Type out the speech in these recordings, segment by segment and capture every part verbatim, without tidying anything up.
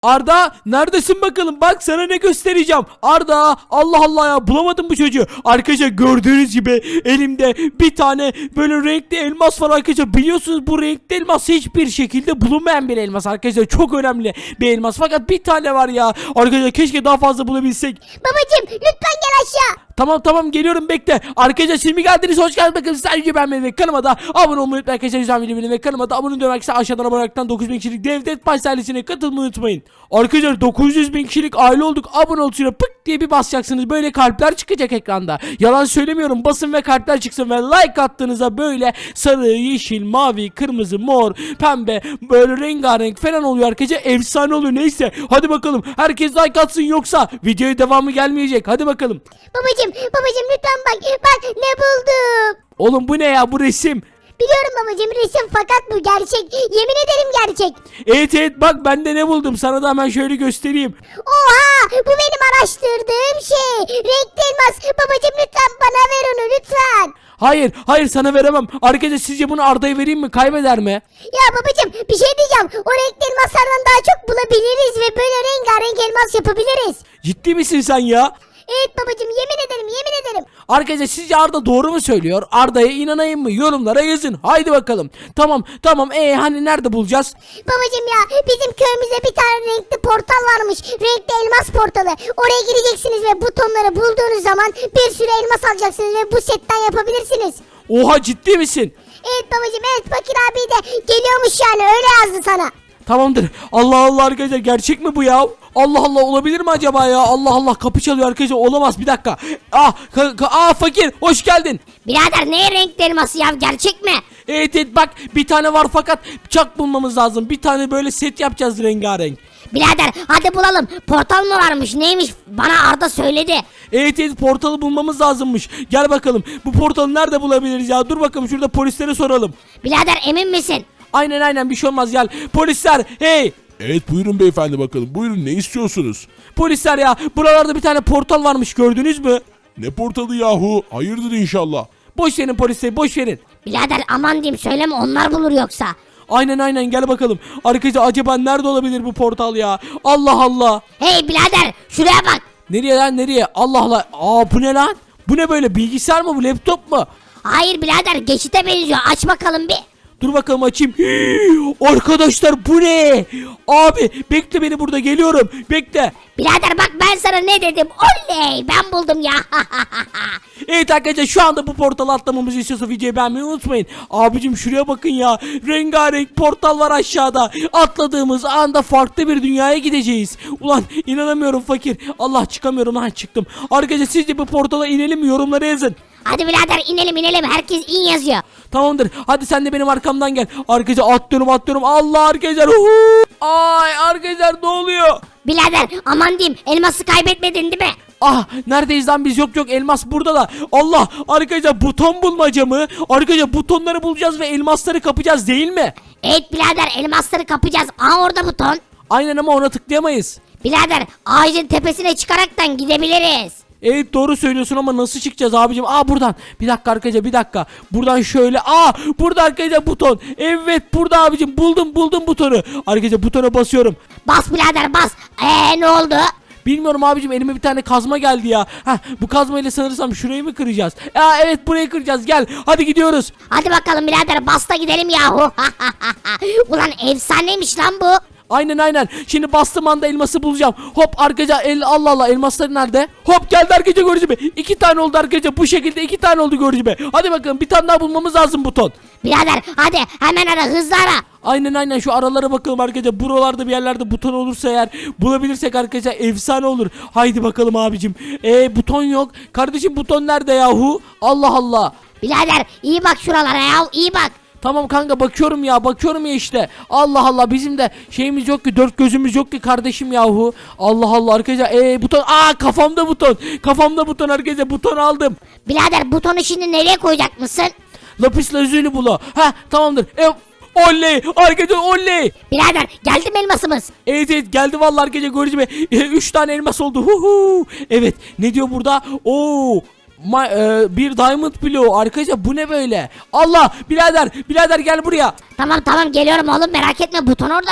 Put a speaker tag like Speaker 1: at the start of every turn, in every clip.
Speaker 1: Arda neredesin bakalım, bak sana ne göstereceğim. Arda, Allah Allah ya, bulamadım bu çocuğu. Arkadaşlar gördüğünüz gibi elimde bir tane böyle renkli elmas var arkadaşlar. Biliyorsunuz bu renkli elmas hiçbir şekilde bulunmayan bir elmas arkadaşlar. Çok önemli bir elmas fakat bir tane var ya. Arkadaşlar keşke daha fazla bulabilsek.
Speaker 2: Babacım lütfen gel aşağı.
Speaker 1: Tamam tamam geliyorum, bekle. Arkadaşlar şimdi geldiniz, hoş geldiniz. Bakın sadece beğenmeyi ve kanalıma da abone olmayı unutmayın arkadaşlar. Güzel videomu ve kanalıma da abone olmayı unutmayın. Aşağıdan abonelikten dokuz bin kişilik Devlet Baş ailesine katılmayı unutmayın. Arkadaşlar dokuz yüz bin kişilik aile olduk. Abone ol tuşuna pık diye bir basacaksınız. Böyle kalpler çıkacak ekranda. Yalan söylemiyorum, basın ve kalpler çıksın ve like attığınızda böyle sarı, yeşil, mavi, kırmızı, mor, pembe böyle rengarenk falan oluyor arkadaşlar. Efsane oluyor, neyse. Hadi bakalım herkes like atsın yoksa videoya devamı gelmeyecek. Hadi bakalım.
Speaker 2: Babacım babacım lütfen bak bak ne buldum.
Speaker 1: Oğlum bu ne ya, bu resim?
Speaker 2: Biliyorum babacım resim fakat bu gerçek. Yemin ederim gerçek.
Speaker 1: Evet evet, bak ben de ne buldum, sana da hemen şöyle göstereyim.
Speaker 2: Oha bu benim araştırdığım şey. Renkli elmas. Babacım lütfen bana ver onu lütfen.
Speaker 1: Hayır hayır, sana veremem. Arkadaşlar sizce bunu Arda'ya vereyim mi, kaybeder mi?
Speaker 2: Ya babacım bir şey diyeceğim. O renkli elmaslardan daha çok bulabiliriz ve böyle rengarenk elmas yapabiliriz.
Speaker 1: Ciddi misin sen ya?
Speaker 2: Evet babacım yemin ederim yemin ederim.
Speaker 1: Arkadaşlar sizce Arda doğru mu söylüyor? Arda'ya inanayım mı? Yorumlara yazın. Haydi bakalım. Tamam tamam, ee hani nerede bulacağız?
Speaker 2: Babacım ya bizim köyümüzde bir tane renkli portal varmış. Renkli elmas portalı. Oraya gireceksiniz ve butonları bulduğunuz zaman bir sürü elmas alacaksınız ve bu setten yapabilirsiniz.
Speaker 1: Oha, ciddi misin?
Speaker 2: Evet babacım evet fakir abi de geliyormuş yani öyle yazdı sana.
Speaker 1: Tamamdır. Allah Allah arkadaşlar, gerçek mi bu ya? Allah Allah, olabilir mi acaba ya? Allah Allah, kapı çalıyor arkadaşlar, olamaz, bir dakika. Ah, ka- ka- ah fakir, hoş geldin.
Speaker 2: Birader ne renkli elması ya gerçek mi?
Speaker 1: Evet evet, bak bir tane var fakat bıçak bulmamız lazım. Bir tane böyle set yapacağız rengarenk.
Speaker 2: Birader hadi bulalım. Portal mı varmış neymiş bana Arda söyledi.
Speaker 1: Evet evet, portalı bulmamız lazımmış. Gel bakalım, bu portalı nerede bulabiliriz ya? Dur bakalım, şurada polislere soralım.
Speaker 2: Birader emin misin?
Speaker 1: Aynen aynen, bir şey olmaz, gel. Polisler, hey.
Speaker 3: Evet buyurun beyefendi bakalım. Buyurun ne istiyorsunuz?
Speaker 1: Polisler ya, buralarda bir tane portal varmış, gördünüz mü?
Speaker 3: Ne portalı yahu? Hayırdır inşallah.
Speaker 1: Boş verin polisleri, boş verin.
Speaker 2: Birader aman diyeyim söyleme onlar bulur yoksa.
Speaker 1: Aynen aynen, gel bakalım. Arkadaşlar acaba nerede olabilir bu portal ya? Allah Allah.
Speaker 2: Hey birader şuraya bak.
Speaker 1: Nereye lan, nereye? Allah Allah. Aa, bu ne lan? Bu ne böyle, bilgisayar mı bu, laptop mu?
Speaker 2: Hayır birader geçite benziyor aç bakalım bir.
Speaker 1: Dur bakalım, açayım. Hii, arkadaşlar bu ne? Abi bekle beni, burada geliyorum. Bekle.
Speaker 2: Birader bak ben sana ne dedim oley ben buldum ya.
Speaker 1: Evet arkadaşlar, şu anda bu portalı atlamamızı istiyorsa videoyu beğenmeyi unutmayın. Abicim şuraya bakın ya. Rengarenk portal var aşağıda. Atladığımız anda farklı bir dünyaya gideceğiz. Ulan inanamıyorum fakir. Allah, çıkamıyorum lan, çıktım. Arkadaşlar sizce bu portala inelim mi? Yorumlara yazın.
Speaker 2: Hadi birader inelim inelim herkes in yazıyor.
Speaker 1: Tamamdır. Hadi sen de benim arkamdan gel. Arkadaşlar atlıyorum atlıyorum. Allah arkadaşlar. Uhu. Ay arkadaşlar, ne oluyor?
Speaker 2: Birader aman diyeyim elması kaybetmedin değil mi?
Speaker 1: Ah, neredeyiz lan biz? Yok yok, elmas burada da. Allah, arkadaşlar buton bulmaca mı? Arkadaşlar butonları bulacağız ve elmasları kapacağız değil mi?
Speaker 2: Evet birader elmasları kapacağız. Aa orada buton.
Speaker 1: Aynen, ama ona tıklayamayız.
Speaker 2: Birader ağacın tepesine çıkaraktan gidebiliriz.
Speaker 1: Evet doğru söylüyorsun ama nasıl çıkacağız abicim? Aa, buradan. Bir dakika arkadaşlar, bir dakika. Buradan şöyle. Aa, burada arkadaşlar buton. Evet burada abicim, buldum buldum butonu. Arkadaşlar butona basıyorum.
Speaker 2: Bas birader bas. Eee ne oldu?
Speaker 1: Bilmiyorum abicim, elime bir tane kazma geldi ya. Heh, bu kazmayla sanırsam şurayı mı kıracağız? Aa evet, burayı kıracağız, gel. Hadi gidiyoruz.
Speaker 2: Hadi bakalım birader bas da gidelim yahu. Ulan efsaneymiş lan bu.
Speaker 1: Aynen aynen. Şimdi bastığım anda elması bulacağım. Hop arkadaşlar, el Allah Allah, elmasları nerede? Hop geldi arkadaşlar, görücü be. İki tane oldu arkadaşlar. Bu şekilde iki tane oldu, görücü be. Hadi bakalım, bir tane daha bulmamız lazım buton.
Speaker 2: Birader hadi hemen ara hızlı ara.
Speaker 1: Aynen aynen, şu aralara bakalım arkadaşlar. Buralarda bir yerlerde buton olursa eğer bulabilirsek arkadaşlar efsane olur. Haydi bakalım abicim. Eee buton yok. Kardeşim buton nerede yahu? Allah Allah.
Speaker 2: Birader iyi bak şuralara ya iyi bak.
Speaker 1: Tamam kanka, bakıyorum ya bakıyorum ya işte. Allah Allah, bizim de şeyimiz yok ki, dört gözümüz yok ki kardeşim yahu. Allah Allah arkadaşlar, eee buton, aa kafamda buton. Kafamda buton arkadaşlar, buton aldım.
Speaker 2: Birader butonu şimdi nereye koyacak mısın?
Speaker 1: Lapis lazuli bula. Heh, tamamdır. E, oley arkadaşlar, oley.
Speaker 2: Birader geldi mi elmasımız?
Speaker 1: Evet evet, geldi vallahi arkadaşlar, görücü be. E, üç tane elmas oldu. Huhu. Evet, ne diyor burada? Oo. Ma, e, bir diamond bloğu arkadaşlar, bu ne böyle? Allah, birader birader gel buraya.
Speaker 2: Tamam tamam geliyorum oğlum merak etme buton orada mı?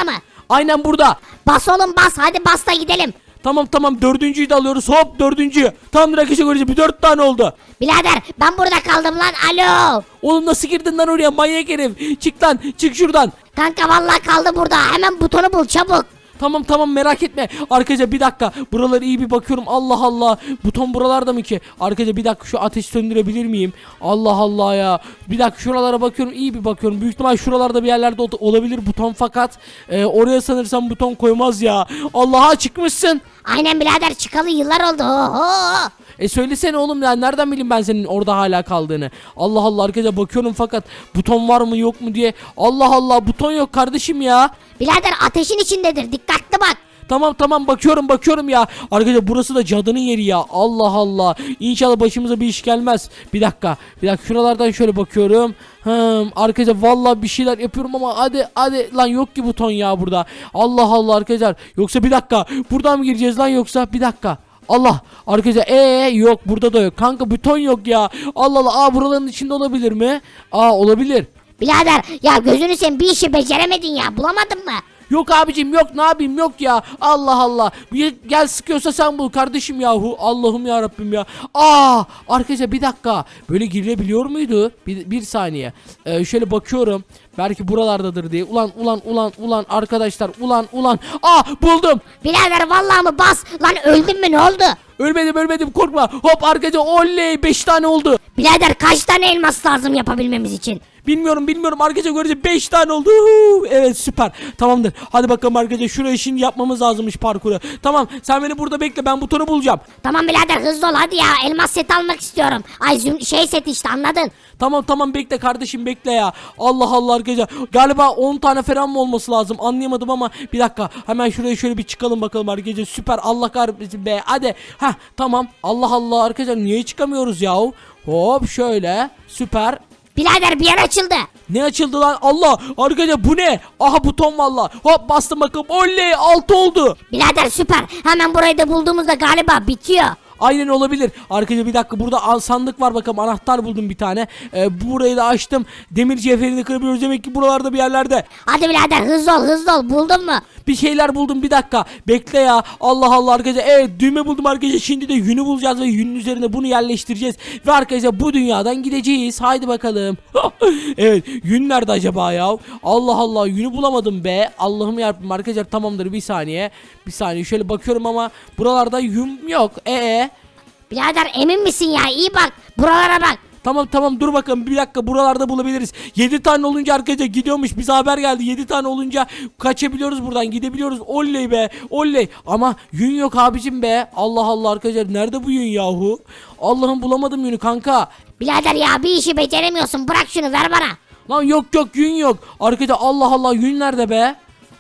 Speaker 1: Aynen burada.
Speaker 2: Bas oğlum bas, hadi bas da gidelim.
Speaker 1: Tamam tamam dördüncüyü de alıyoruz. Hop dördüncü. Tamamdır arkadaşlar göreceğiz. Bir dört tane oldu.
Speaker 2: Birader ben burada kaldım lan, alo.
Speaker 1: Oğlum nasıl girdin lan oraya manyak herif. Çık lan çık şuradan.
Speaker 2: Kanka vallahi kaldı burada, hemen butonu bul çabuk.
Speaker 1: Tamam tamam merak etme. Arkadaşlar bir dakika. Buralara iyi bir bakıyorum. Allah Allah. Buton buralarda mı ki? Arkadaşlar bir dakika şu ateşi söndürebilir miyim? Allah Allah ya. Bir dakika şuralara bakıyorum. İyi bir bakıyorum. Büyük ihtimal şuralarda bir yerlerde ol- olabilir buton fakat e, oraya sanırsam buton koymaz ya. Allah'a çıkmışsın.
Speaker 2: Aynen birader, çıkalı yıllar oldu. Oho.
Speaker 1: E söylesene oğlum ya nereden bileyim ben senin orada hala kaldığını. Allah Allah arkadaşlar bakıyorum fakat buton var mı yok mu diye. Allah Allah buton yok kardeşim ya.
Speaker 2: Birader ateşin içindedir, dikkatli bak.
Speaker 1: Tamam tamam bakıyorum bakıyorum ya. Arkadaşlar burası da cadının yeri ya. Allah Allah. İnşallah başımıza bir iş gelmez. Bir dakika. Bir dakika şuralardan şöyle bakıyorum. Hmm, arkadaşlar vallahi bir şeyler yapıyorum ama hadi hadi lan yok ki buton ya burada. Allah Allah arkadaşlar. Yoksa bir dakika. Buradan mı gireceğiz lan yoksa bir dakika. Allah arkadaşlar ee yok burada da yok. Kanka buton yok ya. Allah Allah. Aa buraların içinde olabilir mi? Aa olabilir.
Speaker 2: Birader ya gözünü sen bir işi beceremedin ya, bulamadın mı?
Speaker 1: Yok abicim yok ne yapayım yok ya Allah Allah bir, gel sıkıyorsa sen bul kardeşim yahu Allah'ım ya Rabbim ya. Aa arkadaşlar bir dakika böyle girilebiliyor muydu bir, bir saniye ee, şöyle bakıyorum belki buralardadır diye ulan ulan ulan ulan arkadaşlar ulan ulan aa buldum.
Speaker 2: Birader vallahi mı, bas lan, öldün mü, ne oldu?
Speaker 1: Ölmedim ölmedim korkma hop arkadaşlar oley beş tane oldu.
Speaker 2: Birader kaç tane elmas lazım yapabilmemiz için?
Speaker 1: Bilmiyorum bilmiyorum arkadaşlar görece beş tane oldu. Huu, evet süper tamamdır. Hadi bakalım arkadaşlar şurayı şimdi yapmamız lazımmış parkuru. Tamam sen beni burada bekle ben butonu bulacağım.
Speaker 2: Tamam birader hızlı ol hadi ya, elmas set almak istiyorum. Ay züm- şey set işte, anladın?
Speaker 1: Tamam tamam bekle kardeşim bekle ya. Allah Allah arkadaşlar. Galiba on tane falan mı olması lazım anlayamadım ama bir dakika. Hemen şuraya şöyle bir çıkalım bakalım arkadaşlar. Süper Allah kahretsin be hadi. Heh tamam Allah Allah arkadaşlar niye çıkamıyoruz yahu? Hop şöyle süper.
Speaker 2: Birader bir yer açıldı.
Speaker 1: Ne açıldı lan Allah arkadaşlar bu ne? Aha buton valla. Hop bastım bakalım oley altı oldu.
Speaker 2: Birader süper, hemen burayı da bulduğumuzda galiba bitiyor.
Speaker 1: Aynen olabilir. Arkadaşlar bir dakika burada al- sandık var bakalım anahtar buldum bir tane. Ee, burayı da açtım. Demir cevherini kırabiliyoruz demek ki buralarda bir yerlerde.
Speaker 2: Hadi birader hızlı ol hızlı ol, buldun mu?
Speaker 1: Bir şeyler buldum bir dakika. Bekle ya. Allah Allah arkadaşlar. Evet düğme buldum arkadaşlar. Şimdi de yünü bulacağız ve yünün üzerine bunu yerleştireceğiz. Ve arkadaşlar bu dünyadan gideceğiz. Haydi bakalım. Evet yün nerede acaba ya? Allah Allah yünü bulamadım be. Allah'ım yarabbim arkadaşlar tamamdır bir saniye. Bir saniye şöyle bakıyorum ama buralarda yün yok. Ee.
Speaker 2: Birader emin misin ya, iyi bak buralara bak.
Speaker 1: Tamam tamam dur bakalım bir dakika buralarda bulabiliriz. yedi tane olunca arkadaşlar gidiyormuş bize haber geldi. yedi tane olunca kaçabiliyoruz buradan gidebiliyoruz. Oley be oley. Ama yün yok abicim be. Allah Allah arkadaşlar nerede bu yün yahu? Allah'ım bulamadım yünü kanka.
Speaker 2: Birader ya bir işi beceremiyorsun, bırak şunu, ver bana.
Speaker 1: Lan yok yok yün yok. Arkadaşlar Allah Allah yün nerede be?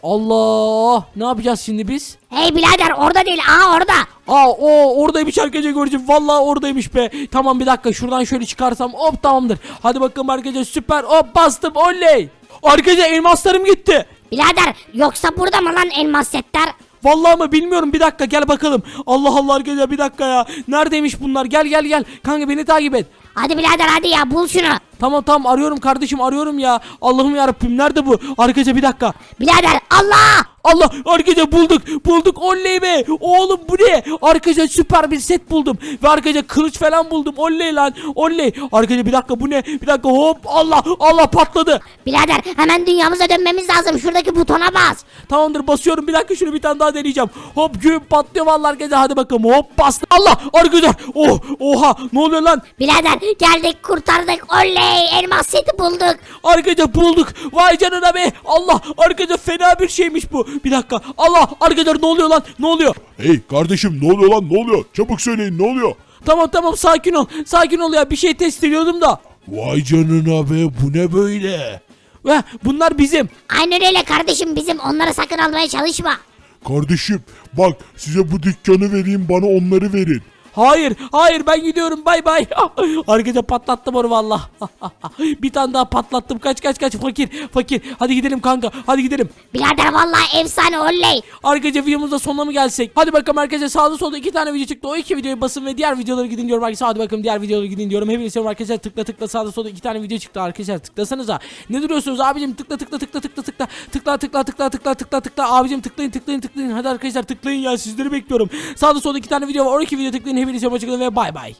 Speaker 1: Allah ne yapacağız şimdi biz?
Speaker 2: Hey birader orada değil, aha orada.
Speaker 1: Aa o oradaymış arkadaşlar göreceğim. Vallahi oradaymış be. Tamam bir dakika şuradan şöyle çıkarsam hop tamamdır. Hadi bakalım arkadaşlar süper. Hop bastım oley. Arkadaşlar elmaslarım gitti.
Speaker 2: Birader yoksa burada mı lan elmas setler?
Speaker 1: Vallahi mı bilmiyorum bir dakika gel bakalım. Allah Allah arkadaşlar bir dakika ya. Neredeymiş bunlar? Gel gel gel. Kanka beni takip et.
Speaker 2: Hadi birader hadi ya, bul şunu.
Speaker 1: Tamam tamam arıyorum kardeşim arıyorum ya. Allah'ım yarabbim nerede bu? Arkadaşlar bir dakika.
Speaker 2: Birader Allah.
Speaker 1: Allah arkadaşlar bulduk bulduk oley be oğlum bu ne arkadaşlar süper bir set buldum ve arkadaşlar kılıç falan buldum oley lan oley arkadaşlar bir dakika bu ne bir dakika hop Allah Allah patladı.
Speaker 2: Birader hemen dünyamıza dönmemiz lazım, şuradaki butona bas.
Speaker 1: Tamamdır basıyorum bir dakika şunu bir tane daha deneyeceğim hop gün patlıyor vallahi arkadaşlar hadi bakalım hop bastı Allah arkadaşlar oh oha ne oluyor lan
Speaker 2: Birader geldik, kurtardık, oley elmas seti bulduk.
Speaker 1: arkadaşlar bulduk vay canına be Allah arkadaşlar fena bir şeymiş bu bir dakika Allah arkadaşlar ne oluyor lan ne oluyor.
Speaker 3: Hey kardeşim ne oluyor lan ne oluyor? Çabuk söyleyin ne oluyor?
Speaker 1: Tamam tamam sakin ol sakin ol ya bir şey test ediyordum da.
Speaker 3: Vay canına be bu ne böyle?
Speaker 1: Ve bunlar bizim.
Speaker 2: Aynen öyle kardeşim, bizim, onları sakın almaya çalışma.
Speaker 3: Kardeşim bak size bu dükkanı vereyim bana onları verin.
Speaker 1: Hayır hayır ben gidiyorum bay bay. Arkadaşlar patlattım onu valla. Bir tane daha patlattım. Kaç kaç kaç fakir fakir. Hadi gidelim kanka hadi gidelim.
Speaker 2: Birader vallahi efsane oley.
Speaker 1: Arkadaşlar videomuzda sonuna mı gelsek? Hadi bakalım arkadaşlar sağda solda iki tane video çıktı. O iki videoyu basın ve diğer videoları gidin diyorum arkadaşlar. Hadi bakalım diğer videoları gidin diyorum. Hepinize seviyorum arkadaşlar. Tıkla tıkla sağda solda iki tane video çıktı arkadaşlar. Tıklasanıza. Ne duruyorsunuz abicim? Tıkla tıkla tıkla tıkla tıkla. Tıkla tıkla tıkla tıkla tıkla tıkla. Abicim tıklayın tıklayın tıklayın. Hadi arkadaşlar tıklayın ya sizleri bekliyorum. Sağda solda iki tane video var. O iki video tıklayın. Hepinize hoşçakalın ve bay bay.